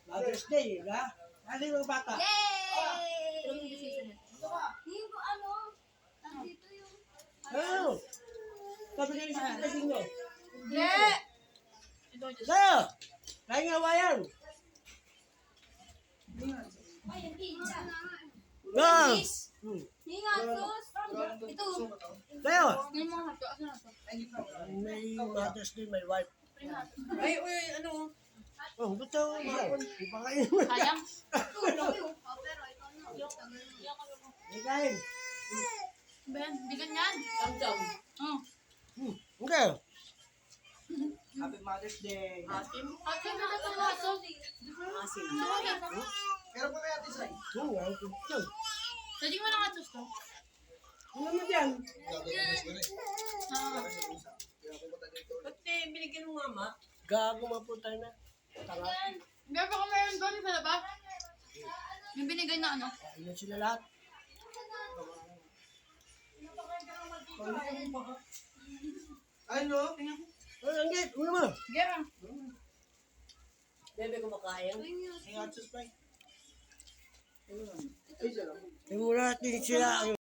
Mother's Day, ha? Ano yung bata? Yay! Hindi ko nandito yung... Ano? Sabi kayo sa pagkaging nyo. Yeah! Sa'yo! Kaya nga wayan. Ay, yung pizza. Go! Hindi nga, sus. Ito. Sa'yo! May mga hato. Asa na to? May Mother's Day, may wife. Ay, uy, ano? Oh, gusto ko ba? Di pa kayo. Sayang. Tulog yun. Pero ito na. Hindi kain. Ben, bigan yan. Tam-tam. Oh. Hindi. Happy Mother's Day. Asim. Ate, na ito nga. Asim. Pero pa kaya tisay? Oo nga, ito. Pwede mo lang atos to. Ano naman yan? Ba't binigyan mo mama? Gago mapunta na. Tanga. Meron pa ko meron doon sa labas. Yung binigay na ano. Ayun sila lahat. Ano? Oh, Anggit, ano mo? Gera. Bebe kumakain. Ay, Atsos pa. Ay, siya lang. Tingnan natin sila.